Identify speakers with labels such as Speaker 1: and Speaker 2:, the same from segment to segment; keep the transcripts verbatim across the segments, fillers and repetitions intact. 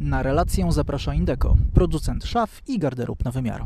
Speaker 1: Na relację zaprasza Indeco, producent szaf i garderób na wymiar.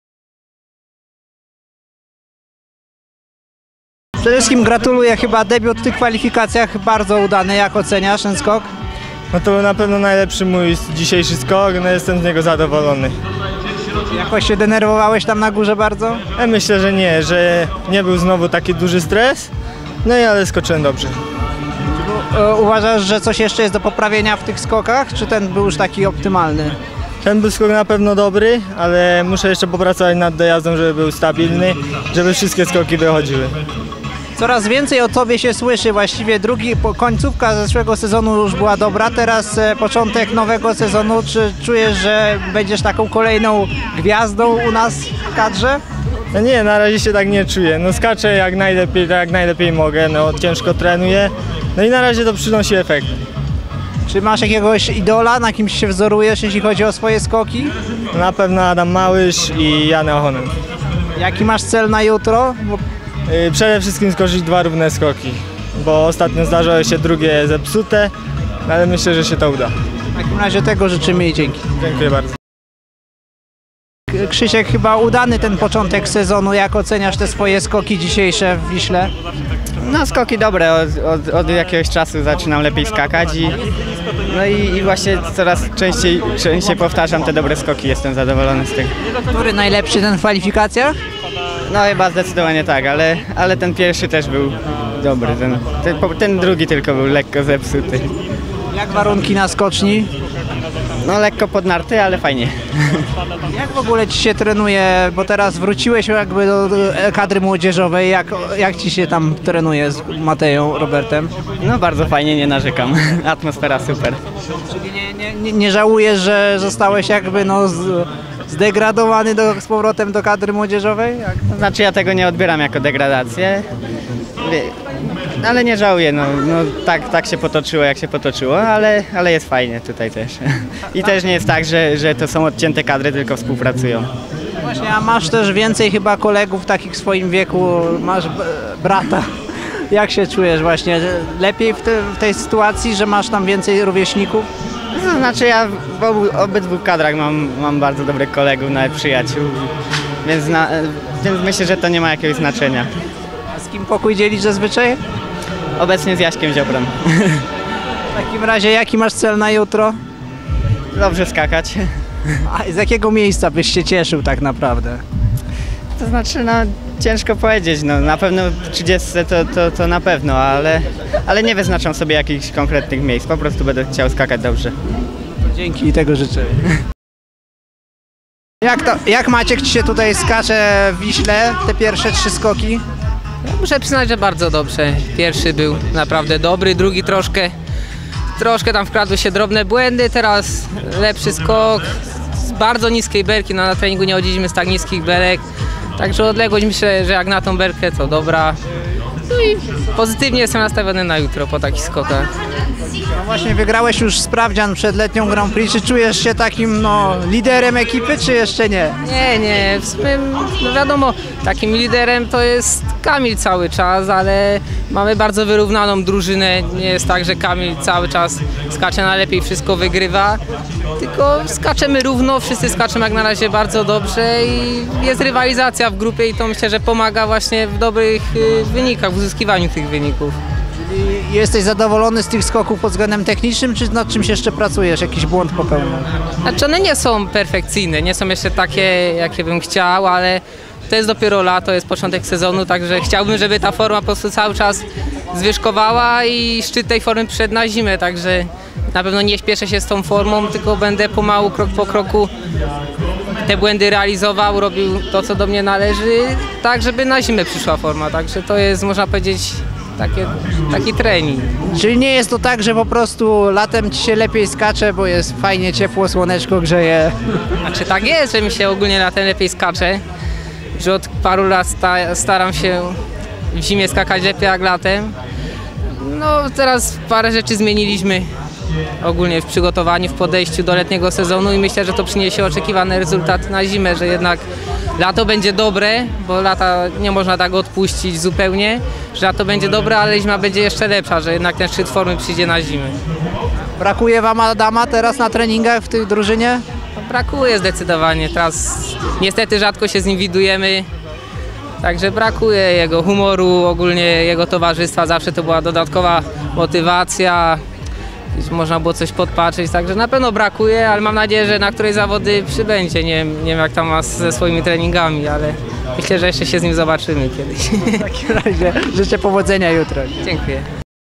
Speaker 2: Przede wszystkim gratuluję, chyba debiut w tych kwalifikacjach bardzo udany. Jak oceniasz ten skok?
Speaker 3: No to był na pewno najlepszy mój dzisiejszy skok, no jestem z niego zadowolony.
Speaker 2: Jakoś się denerwowałeś tam na górze bardzo?
Speaker 3: Ja myślę, że nie, że nie był znowu taki duży stres, no i ale skoczyłem dobrze.
Speaker 2: Uważasz, że coś jeszcze jest do poprawienia w tych skokach, czy ten był już taki optymalny?
Speaker 3: Ten był skok na pewno dobry, ale muszę jeszcze popracować nad dojazdem, żeby był stabilny, żeby wszystkie skoki wychodziły.
Speaker 2: Coraz więcej o tobie się słyszy, właściwie drugi, końcówka zeszłego sezonu już była dobra, teraz początek nowego sezonu. Czy czujesz, że będziesz taką kolejną gwiazdą u nas w kadrze?
Speaker 3: No nie, na razie się tak nie czuję, no skaczę jak najlepiej, tak jak najlepiej mogę, no ciężko trenuję, no i na razie to przynosi efekt.
Speaker 2: Czy masz jakiegoś idola, na kimś się wzorujesz, jeśli chodzi o swoje skoki?
Speaker 3: Na pewno Adam Małysz i Jan Ohonen.
Speaker 2: Jaki masz cel na jutro? Bo...
Speaker 3: Przede wszystkim skoczyć dwa równe skoki, bo ostatnio zdarzało się drugie zepsute, ale myślę, że się to uda.
Speaker 2: W takim razie tego życzymy i dzięki.
Speaker 3: Dziękuję bardzo.
Speaker 2: Krzysiek, chyba udany ten początek sezonu. Jak oceniasz te swoje skoki dzisiejsze w Wiśle?
Speaker 4: No skoki dobre, od, od, od jakiegoś czasu zaczynam lepiej skakać i, no i, i właśnie coraz częściej, częściej powtarzam te dobre skoki, jestem zadowolony z tego.
Speaker 2: Który najlepszy ten w kwalifikacjach?
Speaker 4: No chyba zdecydowanie tak, ale, ale ten pierwszy też był dobry, ten, ten, ten drugi tylko był lekko zepsuty.
Speaker 2: Jak warunki na skoczni?
Speaker 4: No lekko podnarty, ale fajnie.
Speaker 2: Jak w ogóle ci się trenuje, bo teraz wróciłeś jakby do kadry młodzieżowej, jak, jak ci się tam trenuje z Mateją, Robertem?
Speaker 4: No bardzo fajnie, nie narzekam, atmosfera super.
Speaker 2: Czyli nie, nie, nie, nie żałujesz, że zostałeś jakby no z, zdegradowany do, z powrotem do kadry młodzieżowej? Jak?
Speaker 4: To znaczy ja tego nie odbieram jako degradację, ale nie żałuję, no, no tak, tak się potoczyło jak się potoczyło, ale, ale jest fajnie tutaj też. I też nie jest tak, że, że to są odcięte kadry, tylko współpracują.
Speaker 2: Właśnie, a masz też więcej chyba kolegów takich w swoim wieku, masz brata. Jak się czujesz właśnie? Lepiej w, te, w tej sytuacji, że masz tam więcej rówieśników?
Speaker 4: To znaczy ja w obu, obydwu kadrach mam, mam bardzo dobrych kolegów, nawet przyjaciół, więc, na, więc myślę, że to nie ma jakiegoś znaczenia.
Speaker 2: A z kim pokój dzielisz zazwyczaj?
Speaker 4: Obecnie z Jaśkiem Ziobrą.
Speaker 2: W takim razie jaki masz cel na jutro?
Speaker 4: Dobrze skakać.
Speaker 2: A z jakiego miejsca byś się cieszył tak naprawdę?
Speaker 4: To znaczy, no ciężko powiedzieć, no na pewno w trzydziestce to, to, to na pewno, ale, ale nie wyznaczam sobie jakichś konkretnych miejsc, po prostu będę chciał skakać dobrze.
Speaker 2: Dzięki i tego życzę. Jak, to, jak Maciek ci się tutaj skacze w Wiśle, te pierwsze trzy skoki?
Speaker 5: Muszę przyznać, że bardzo dobrze. Pierwszy był naprawdę dobry, drugi troszkę, troszkę tam wkradły się drobne błędy, teraz lepszy skok z bardzo niskiej belki, no na treningu nie chodziliśmy z tak niskich belek, także odległość myślę, że jak na tą belkę to dobra. No i pozytywnie jestem nastawiony na jutro po takich skokach.
Speaker 2: No właśnie wygrałeś już sprawdzian przed letnią Grand Prix, czy czujesz się takim no, liderem ekipy, czy jeszcze nie?
Speaker 5: Nie, nie, w sumie no wiadomo, takim liderem to jest Kamil cały czas, ale mamy bardzo wyrównaną drużynę, nie jest tak, że Kamil cały czas skacze najlepiej, wszystko wygrywa, tylko skaczemy równo, wszyscy skaczemy jak na razie bardzo dobrze i jest rywalizacja w grupie i to myślę, że pomaga właśnie w dobrych wynikach, w uzyskiwaniu tych wyników.
Speaker 2: I jesteś zadowolony z tych skoków pod względem technicznym, czy nad czymś jeszcze pracujesz, jakiś błąd popełnił?
Speaker 5: Znaczy one nie są perfekcyjne, nie są jeszcze takie, jakie bym chciał, ale to jest dopiero lato, jest początek sezonu, także chciałbym, żeby ta forma po prostu cały czas zwyżkowała i szczyt tej formy przyszedł na zimę, także na pewno nie śpieszę się z tą formą, tylko będę pomału, krok po kroku te błędy realizował, robił to, co do mnie należy, tak żeby na zimę przyszła forma, także to jest, można powiedzieć, Takie, taki trening.
Speaker 2: Czyli nie jest to tak, że po prostu latem ci się lepiej skacze, bo jest fajnie ciepło, słoneczko grzeje?
Speaker 5: Znaczy tak jest, że mi się ogólnie latem lepiej skacze, że od paru lat sta staram się w zimie skakać lepiej jak latem. No teraz parę rzeczy zmieniliśmy ogólnie w przygotowaniu, w podejściu do letniego sezonu i myślę, że to przyniesie oczekiwane rezultaty na zimę, że jednak lato będzie dobre, bo lata nie można tak odpuścić zupełnie, że lato będzie dobre, ale zima będzie jeszcze lepsza, że jednak ten szczyt formy przyjdzie na zimę.
Speaker 2: Brakuje wam Adama teraz na treningach w tej drużynie?
Speaker 5: Brakuje zdecydowanie, teraz niestety rzadko się z nim widujemy, także brakuje jego humoru, ogólnie jego towarzystwa, zawsze to była dodatkowa motywacja, można było coś podpatrzeć, także na pewno brakuje, ale mam nadzieję, że na której zawody przybędzie, nie, nie wiem jak tam ma ze swoimi treningami, ale myślę, że jeszcze się z nim zobaczymy kiedyś.
Speaker 2: W takim razie życzę powodzenia jutro.
Speaker 5: Dziękuję.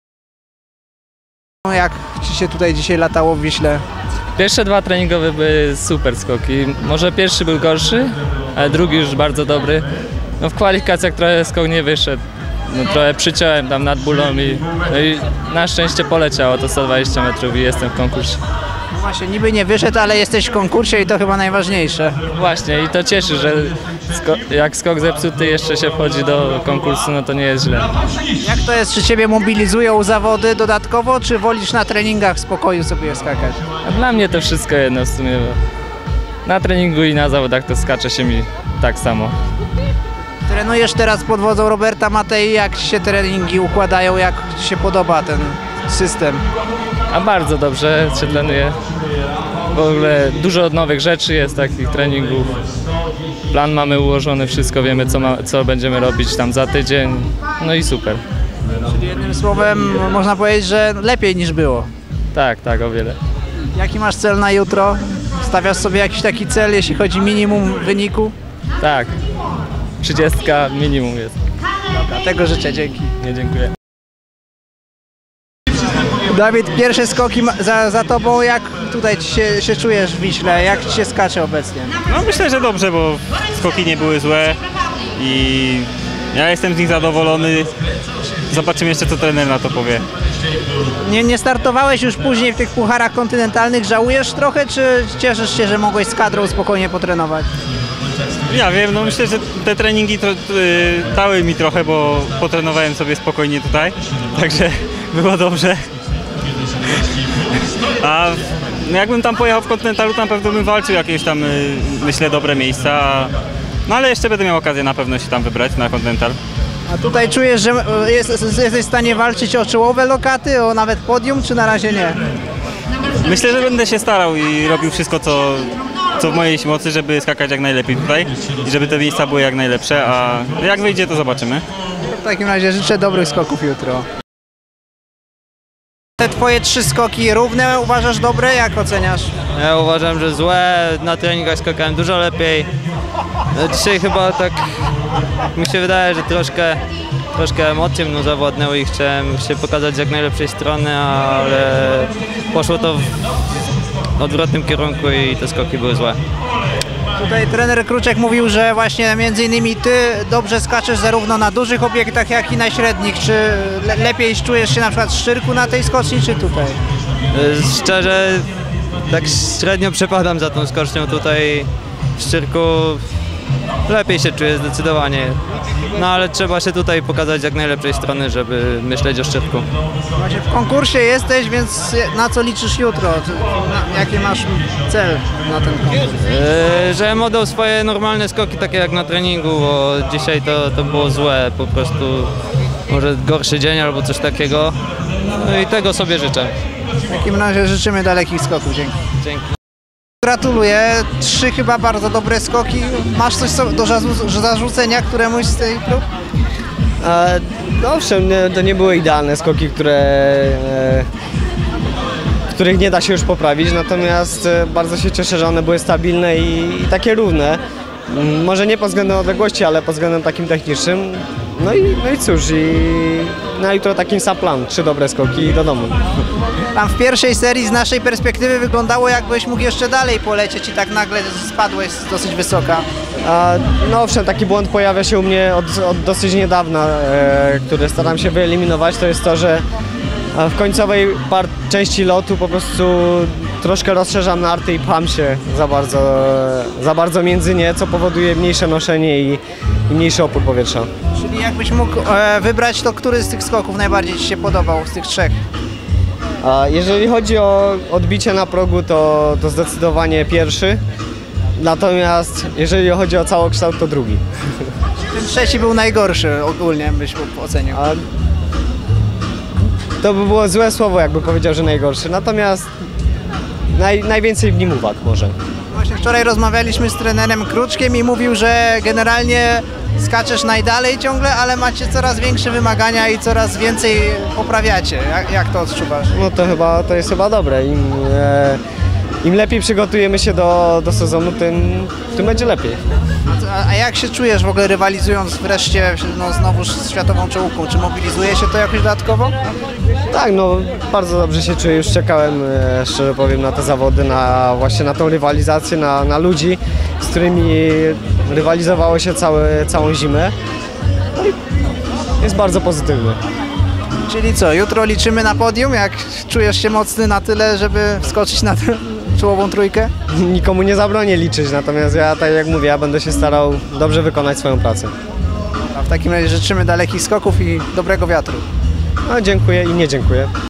Speaker 2: Jak ci się tutaj dzisiaj latało w Wiśle?
Speaker 6: Pierwsze dwa treningowe były super skoki. Może pierwszy był gorszy, ale drugi już bardzo dobry. No w kwalifikacjach trochę skok nie wyszedł. No trochę przyciąłem tam nad bólą i, no i na szczęście poleciało to sto dwadzieścia metrów i jestem w konkursie.
Speaker 2: No właśnie, niby nie wyszedł, ale jesteś w konkursie i to chyba najważniejsze.
Speaker 6: Właśnie i to cieszy, że sko- jak skok zepsuty jeszcze się wchodzi do konkursu, no to nie jest źle.
Speaker 2: Jak to jest, czy ciebie mobilizują zawody dodatkowo, czy wolisz na treningach w spokoju sobie skakać?
Speaker 6: A dla mnie to wszystko jedno w sumie, bo na treningu i na zawodach to skacze się mi tak samo.
Speaker 2: Trenujesz teraz pod wodzą Roberta Matei, jak ci się treningi układają, jak ci się podoba ten system?
Speaker 6: A bardzo dobrze się trenuje. W ogóle dużo nowych rzeczy jest, takich treningów. Plan mamy ułożony, wszystko wiemy co, ma, co będziemy robić tam za tydzień. No i super.
Speaker 2: Czyli jednym słowem można powiedzieć, że lepiej niż było.
Speaker 6: Tak, tak, o wiele.
Speaker 2: Jaki masz cel na jutro? Stawiasz sobie jakiś taki cel, jeśli chodzi o minimum wyniku?
Speaker 6: Tak, trzydziestka minimum jest.
Speaker 2: Dobra, tego życzę, dzięki.
Speaker 6: Nie, dziękuję.
Speaker 2: Dawid, pierwsze skoki ma- za, za tobą, jak tutaj ci się, się czujesz w Wiśle, jak ci się skacze obecnie?
Speaker 7: No myślę, że dobrze, bo skoki nie były złe i ja jestem z nich zadowolony. Zobaczymy jeszcze, co trener na to powie.
Speaker 2: Nie, nie startowałeś już później w tych pucharach kontynentalnych, żałujesz trochę, czy cieszysz się, że mogłeś z kadrą spokojnie potrenować?
Speaker 7: Ja wiem, no myślę, że te treningi to, y, dały mi trochę, bo potrenowałem sobie spokojnie tutaj, także było dobrze. A jakbym tam pojechał w kontynentalu, to na pewno bym walczył jakieś tam, y, myślę, dobre miejsca. A, no ale jeszcze będę miał okazję na pewno się tam wybrać na kontynental.
Speaker 2: A tutaj czujesz, że e, jest, jesteś w stanie walczyć o czołowe lokaty, o nawet podium, czy na razie nie?
Speaker 7: Myślę, że będę się starał i robił wszystko, co, co w mojej mocy, żeby skakać jak najlepiej tutaj i żeby te miejsca były jak najlepsze, a jak wyjdzie, to zobaczymy.
Speaker 2: W takim razie życzę dobrych skoków jutro. Te twoje trzy skoki równe uważasz dobre? Jak oceniasz?
Speaker 4: Ja uważam, że złe, na treningach skakałem dużo lepiej. No dzisiaj chyba tak mi się wydaje, że troszkę, troszkę emocje mną zawładnęły i chciałem się pokazać z jak najlepszej strony, ale poszło to w odwrotnym kierunku i te skoki były złe.
Speaker 2: Tutaj trener Kruczek mówił, że właśnie między innymi ty dobrze skaczesz zarówno na dużych obiektach, jak i na średnich. Czy le lepiej czujesz się na przykład w Szczyrku na tej skoczni, czy tutaj?
Speaker 4: Szczerze, tak średnio przepadam za tą skocznią tutaj w Szczyrku. Lepiej się czuję zdecydowanie, no ale trzeba się tutaj pokazać z jak najlepszej strony, żeby myśleć o Szczyrku.
Speaker 2: Właśnie w konkursie jesteś, więc na co liczysz jutro? Na, jaki masz cel na ten konkurs?
Speaker 4: Yy, żebym oddał swoje normalne skoki, takie jak na treningu, bo dzisiaj to, to było złe, po prostu może gorszy dzień albo coś takiego. No i tego sobie życzę.
Speaker 2: W takim razie życzymy dalekich skoków. Dzięki.
Speaker 4: Dzięki.
Speaker 2: Gratuluję. Trzy chyba bardzo dobre skoki. Masz coś so- do zarzu- zarzucenia któremuś z tej prób?
Speaker 8: E, no owszem, nie, to nie były idealne skoki, które, e, których nie da się już poprawić, natomiast e, bardzo się cieszę, że one były stabilne i, i takie równe. M, Może nie pod względem odległości, ale pod względem takim technicznym. No i, no i cóż, i na jutro taki sam plan, trzy dobre skoki i do domu.
Speaker 2: Tam w pierwszej serii z naszej perspektywy wyglądało, jakbyś mógł jeszcze dalej polecieć i tak nagle spadłeś z dosyć wysoka.
Speaker 8: A, no owszem, taki błąd pojawia się u mnie od, od dosyć niedawna, e, który staram się wyeliminować. To jest to, że w końcowej par- części lotu po prostu troszkę rozszerzam narty i pcham się za bardzo, za bardzo między nie, co powoduje mniejsze noszenie i, i mniejszy opór powietrza.
Speaker 2: Czyli jakbyś mógł e, wybrać, to który z tych skoków najbardziej ci się podobał, z tych trzech?
Speaker 8: A jeżeli chodzi o odbicie na progu, to, to zdecydowanie pierwszy. Natomiast jeżeli chodzi o całokształt, to drugi.
Speaker 2: Ten trzeci był najgorszy ogólnie, byś mógł ocenił.
Speaker 8: A to by było złe słowo, jakby powiedział, że najgorszy. Natomiast naj, najwięcej w nim uwag może.
Speaker 2: Właśnie wczoraj rozmawialiśmy z trenerem Kruczkiem i mówił, że generalnie skaczesz najdalej ciągle, ale macie coraz większe wymagania i coraz więcej poprawiacie. Jak, jak to odczuwasz?
Speaker 8: No to chyba, to jest chyba dobre. Im, e, im lepiej przygotujemy się do, do sezonu, tym, tym będzie lepiej.
Speaker 2: A, a jak się czujesz w ogóle rywalizując wreszcie no, znowu z światową czołówką? Czy mobilizuje się to jakoś dodatkowo?
Speaker 8: Tak, no bardzo dobrze się czuję, już czekałem, e, szczerze powiem, na te zawody, na właśnie na tą rywalizację, na, na ludzi, z którymi rywalizowało się całe, całą zimę. No i jest bardzo pozytywny.
Speaker 2: Czyli co, jutro liczymy na podium? Jak czujesz się mocny na tyle, żeby wskoczyć na tę czołową trójkę?
Speaker 8: Nikomu nie zabronię liczyć, natomiast ja, tak jak mówię, ja będę się starał dobrze wykonać swoją pracę.
Speaker 2: A w takim razie życzymy dalekich skoków i dobrego wiatru.
Speaker 8: No, dziękuję i nie dziękuję.